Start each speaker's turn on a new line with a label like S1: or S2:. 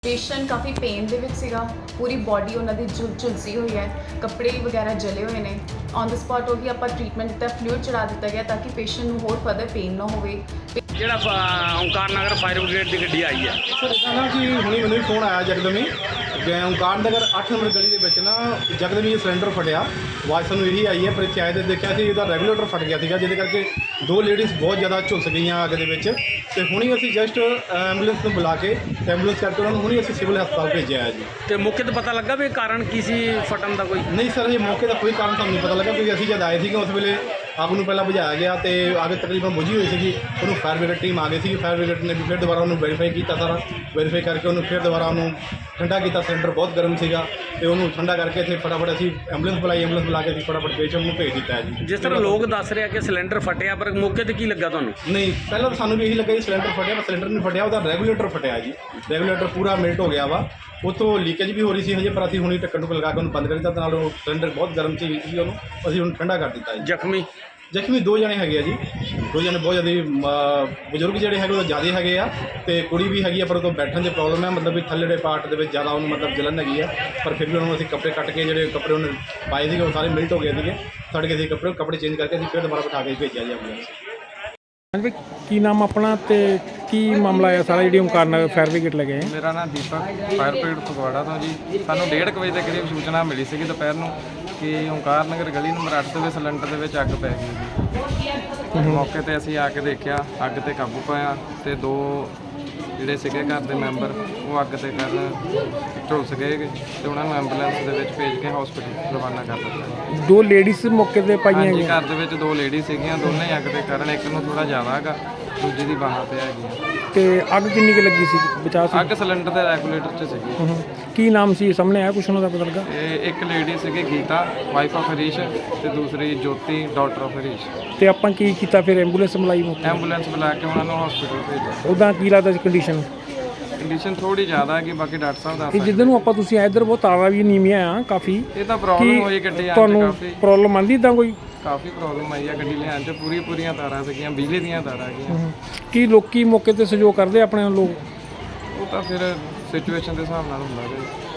S1: Patient ਕਾਫੀ pain ਦੇ ਵਿੱਚ ਸੀਗਾ, ਪੂਰੀ ਬਾਡੀ ਉਹਨਾਂ ਦੀ ਝੁਲਸੀ ਹੋਈ ਹੈ, ਕੱਪੜੇ ਵਗੈਰਾ ਜਲੇ ਹੋਏ ਨੇ। ਔਨ ਦ ਸਪੌਟ ਉਹੀ ਆਪਾਂ ਟ੍ਰੀਟਮੈਂਟ ਦਿੱਤਾ, ਫਲੂਇਡ ਚੜਾ ਦਿੱਤਾ ਗਿਆ ਤਾਂ ਕਿ ਪੇਸ਼ੈਂਟ ਨੂੰ ਹੋਰ ਫਰਦਰ ਪੇਨ ਨਾ ਹੋਵੇ।
S2: ਜਿਹੜਾ ਓਂਕਾਰ ਨਗਰ ਫਾਇਰ ਬ੍ਰਿਗੇਡ ਦੀ ਗੱਡੀ ਆਈ ਹੈ
S3: ਸਰ ਇੱਦਾਂ ਨਾ ਕਿ ਹੁਣੀ ਮੈਨੂੰ ਵੀ ਫੋਨ ਆਇਆ ਜਗਦਮੀ ਓਂਕਾਰ ਨਗਰ 8 ਨੰਬਰ ਗਲੀ ਦੇ ਵਿੱਚ ਨਾ ਜਗਦਮੀ ਸਿਲੰਡਰ ਫਟਿਆ। ਆਵਾਜ਼ ਸਾਨੂੰ ਇਹੀ ਆਈ ਹੈ, ਪਰ ਚਾਹੇ ਤੇ ਦੇਖਿਆ ਸੀ ਇਹਦਾ ਰੈਗੂਲੇਟਰ ਫਟ ਗਿਆ ਸੀਗਾ, ਜਿਹਦੇ ਕਰਕੇ ਦੋ ਲੇਡੀਜ਼ ਬਹੁਤ ਜ਼ਿਆਦਾ ਝੁਲਸ ਗਈਆਂ ਅੱਗ ਦੇ ਵਿੱਚ। ਤੇ ਹੁਣੀ ਅਸੀਂ ਜਸਟ ਐਂਬੂਲੈਂਸ ਨੂੰ ਬੁਲਾ ਕੇ ਐਂਬੂਲੈਂਸ ਕਰਕੇ ਉਹਨਾਂ ਨੂੰ ਹੁਣੀ ਅਸੀਂ ਸਿਵਲ ਹਸਪਤਾਲ ਭੇਜਿਆ ਹੈ ਜੀ।
S2: ਤੇ ਮੌਕੇ ਤੇ ਪਤਾ ਲੱਗਾ ਵੀ ਕਾਰਨ ਕੀ ਸੀ ਫਟਣ ਦਾ? ਕੋਈ
S3: ਨਹੀਂ ਸਰ, ਇਹ ਮੌਕੇ ਦਾ ਕੋਈ ਕਾਰਨ ਸਾਨੂੰ ਨਹੀਂ ਪਤਾ ਲੱਗਾ, ਕਿਉਂਕਿ ਅਸੀਂ ਜਦ ਆਏ ਸੀਗੇ ਉਸ ਵੇਲੇ ਅੱਗ ਨੂੰ ਪਹਿਲਾਂ ਬੁਝਾਇਆ ਗਿਆ ਤੇ ਅੱਗ ਤਕਰੀਬਨ ਬੁਝੀ ਹੋਈ ਸੀਗੀ। ਉਹਨੂੰ ਫਾਇਰ ਬ੍ਰਿਗੇਡ ਟੀਮ ਆ ਗਈ ਸੀ। ਫਾਇਰ ਬ੍ਰਿਗੇਡ ਨੇ ਵੀ ਫਿਰ ਦੁਬਾਰਾ ਉਹਨੂੰ ਵੈਰੀਫਾਈ ਕੀਤਾ, ਸਾਰਾ ਵੈਰੀਫਾਈ ਕਰਕੇ ਉਹਨੂੰ ਫਿਰ ਦੁਬਾਰਾ ਉਹਨੂੰ ਠੰਡਾ ਕੀਤਾ। ਸਿਲੰਡਰ ਬਹੁਤ ਗਰਮ ਸੀਗਾ ਤੇ ਉਹਨੂੰ ਠੰਡਾ ਕਰਕੇ ਇੱਥੇ ਫਟਾਫਟ ਅਸੀਂ ਐਂਬੂਲੈਂਸ ਬੁਲਾਈ। ਐਂਬੂਲੈਂਸ ਬੁਲਾ ਕੇ ਅਸੀਂ ਫਟਾਫਟ ਪੇਸ਼ੈਂਟ ਨੂੰ ਭੇਜ ਦਿੱਤਾ ਹੈ ਜੀ।
S2: ਜਿਸ ਤਰ੍ਹਾਂ ਲੋਕ ਦੱਸ ਰਹੇ ਆ ਕਿ ਸਿਲੰਡਰ ਫਟਿਆ, ਪਰ ਮੌਕੇ ਤੇ ਕੀ ਲੱਗਾ ਤੁਹਾਨੂੰ?
S3: ਨਹੀਂ, ਪਹਿਲਾਂ ਤਾਂ ਸਾਨੂੰ ਵੀ ਇਹੀ ਲੱਗਾ ਜੀ ਸਿਲੰਡਰ ਫਟਿਆ, ਪਰ ਸਿਲੰਡਰ ਨਹੀਂ ਫਟਿਆ, ਉਹਦਾ ਰੈਗੂਲੇਟਰ ਫਟਿਆ ਜੀ। ਰੈਗੂਲੇਟਰ ਪੂਰਾ ਮਿਲਟ ਹੋ ਗਿਆ ਵਾ, ਉੱਥੋਂ ਲੀਕੇਜ ਵੀ ਹੋ ਰਹੀ ਸੀ ਹਜੇ, ਪਰ ਅਸੀਂ ਹੁਣੀ ਢੱਕਣ ਨੂੰ ਲਗਾ ਕੇ ਉਹਨੂੰ ਬੰਦ ਕਰ ਦਿੱਤਾ। ਨਾਲ ਉਹ ਸਿਲੰਡਰ ਬਹੁਤ ਗਰਮ ਸੀ, ਉਹਨੂੰ ਅਸੀਂ ਹੁਣ ਠੰਡਾ ਕਰ ਦਿੱਤਾ ਜੀ। ਜ਼ਖਮੀ ਦੋ ਜਣੇ ਹੈਗੇ ਆ ਜੀ, ਦੋ ਜਣੇ ਬਹੁਤ ਜ਼ਿਆਦਾ ਬਜ਼ੁਰਗ ਜਿਹੜੇ ਹੈਗੇ ਉਹ ਜ਼ਿਆਦਾ ਹੈਗੇ ਆ, ਤੇ ਕੁੜੀ ਵੀ ਹੈਗੀ ਆ, ਪਰ ਉਹ ਤੋਂ ਬੈਠਣ ਦੀ ਪ੍ਰੋਬਲਮ ਹੈ, ਮਤਲਬ ਵੀ ਥੱਲੇੜੇ ਪਾਰਟ ਦੇ ਵਿੱਚ ਜ਼ਿਆਦਾ ਉਹਨੂੰ ਮਤਲਬ ਜਲਨ ਹੈਗੀ ਆ। ਪਰ ਫਿਰ ਵੀ ਉਹਨੂੰ ਅਸੀਂ ਕੱਪੜੇ ਕੱਟ ਕੇ, ਜਿਹੜੇ ਕੱਪੜੇ ਉਹਨੇ ਪਾਏ ਸੀਗੇ ਉਹ ਸਾਰੇ ਮਿਲਟ ਹੋ ਗਏ ਸੀਗੇ, ਸੜ ਗਏ ਸੀ ਕੱਪੜੇ ਚੇਂਜ ਕਰਕੇ ਅਸੀਂ ਫਿਰ ਦੁਬਾਰਾ ਬਿਠਾ ਕੇ ਭੇਜਿਆ ਜੀ ਐਂਬੂਲੈਂਸ।
S4: ਹਾਂਜੀ, ਕੀ ਨਾਮ ਆਪਣਾ ਤੇ ਕੀ ਮਾਮਲਾ ਹੈ ਸਾਰਾ ਜਿਹੜੀ ਓਂਕਾਰ ਨਗਰ ਫਾਇਰ ਬ੍ਰਿਗੇਡ ਲੱਗੇ?
S5: ਮੇਰਾ ਨਾਮ ਦੀਪਕ, ਫਾਇਰ ਬ੍ਰਿਗੇਡ ਫਗਵਾੜਾ ਤੋਂ ਜੀ। ਸਾਨੂੰ 1:30 ਵਜੇ ਦੇ ਕਰੀਬ ਸੂਚਨਾ ਮਿਲੀ ਸੀਗੀ ਦੁਪਹਿਰ ਨੂੰ ਕਿ ਓਂਕਾਰ ਨਗਰ ਗਲੀ ਨੰਬਰ 8 ਦੇ ਸਿਲੰਡਰ ਦੇ ਵਿੱਚ ਅੱਗ ਪੈ ਗਈ ਜੀ। ਮੌਕੇ ਤੇ ਅਸੀਂ ਆ ਕੇ ਦੇਖਿਆ, ਅੱਗ ਤੇ ਕਾਬੂ ਪਾਇਆ ਤੇ ਦੋ ਜਿਹੜੇ ਸੀਗੇ ਘਰ ਦੇ ਮੈਂਬਰ ਉਹ ਅੱਗ ਤੇ ਝੁਲਸ ਗਏ ਤੇ ਉਹਨਾਂ ਨੂੰ ਐਂਬੂਲੈਂਸ ਦੇ ਵਿੱਚ ਭੇਜ ਕੇ ਹਸਪੀਟਲ ਰਵਾਨਾ ਕਰ ਦਿੱਤਾ।
S4: ਦੋ ਲੇਡੀਜ਼ ਮੌਕੇ ਤੇ ਪਾਈਆਂ
S5: ਹਾਂਜੀ,
S4: ਗਈਆਂ।
S5: ਘਰ ਦੇ ਵਿੱਚ ਦੋ ਲੇਡੀ ਸੀਗੀਆਂ, ਦੋਨੇ ਹੀ ਅੱਗ ਦੇ ਕਾਰਨ, ਇੱਕ ਨੂੰ ਥੋੜਾ ਜ਼ਿਆਦਾ ਹੈਗਾ, ਦੂਜੀ ਦੀ ਬਾਹਾਂ ਤੇ ਹੈਗੀ।
S4: ਤੇ ਅੱਗ ਕਿੰਨੀ ਕੁ ਲੱਗੀ ਸੀ? ਬਚਾ ਸੀ?
S5: ਅੱਗ ਸਿਲੰਡਰ ਦੇ ਰੈਗੂਲੇਟਰ 'ਚ ਸੀਗੀ।
S4: ਕੀ ਨਾਮ ਸੀ ਸਾਹਮਣੇ ਆਇਆ ਕੁਛ ਉਹਨਾਂ ਦਾ ਪਤਾ ਲੱਗਾ?
S5: ਇਹ ਇੱਕ ਲੇਡੀ ਸੀਗੀ ਗੀਤਾ, ਵਾਈਫ ਆਫ ਹਰੀਸ਼, ਤੇ ਦੂਸਰੀ ਜੋਤੀ, ਡਾਟਰ ਆਫ ਹਰੀਸ਼।
S4: ਤੇ ਆਪਾਂ ਕੀ ਕੀਤਾ ਫਿਰ? ਐਂਬੂਲੈਂਸ ਬੁਲਾਈ ਮੌਕੇ?
S5: ਐਂਬੂਲੈਂਸ ਬੁਲਾ ਕੇ ਉਹਨਾਂ ਨੂੰ ਹਸਪੀਟਲ ਭੇਜਿਆ।
S4: ਉੱਦਾਂ ਕੀ ਲੱਗਦਾ ਸੀ ਕੰਡੀਸ਼ਨ?
S5: ਕੰਡੀਸ਼ਨ ਥੋੜੀ ਜ਼ਿਆਦਾ ਹੈਗੀ, ਬਾਕੀ ਡਾਕਟਰ ਸਾਹਿਬ ਦੱਸ
S4: ਇਹ
S5: ਸਕਦੇ।
S4: ਜਿੱਦਾਂ ਨੂੰ ਆਪਾਂ ਤੁਸੀਂ ਆਏ ਇੱਧਰ ਬਹੁਤ ਤਾਰਾ ਵੀ ਨੀਵੀਆਂ ਆ ਕਾਫੀ।
S5: ਇਹ ਤਾਂ ਪ੍ਰੋਬਲਮ ਹੋਈ ਗੱਡੀ ਆਉਣ 'ਚ,
S4: ਤੁਹਾਨੂੰ ਪ੍ਰੋਬਲਮ ਆਂਦੀ ਇੱਦਾਂ ਕੋਈ?
S5: ਕਾਫੀ ਪ੍ਰੋਬਲਮ ਆਈ ਆ ਗੱਡੀ ਲਿਆਉਣ 'ਚ। ਪੂਰੀਆਂ ਤਾਰਾਂ ਸੀਗੀਆਂ, ਬਿਜਲੀ ਦੀਆਂ ਤਾਰਾਂ ਹੈਗੀਆਂ।
S4: ਕੀ ਲੋਕੀ ਮੌਕੇ ਤੇ ਸਹਿਯੋਗ ਕਰਦੇ ਆਪਣੇ ਲੋਕ?
S5: ਉਹ ਤਾਂ ਫਿਰ ਸਿਚੁਏਸ਼ਨ ਦੇ ਹਿਸਾਬ ਨਾਲ ਹੁੰਦਾ ਜੀ।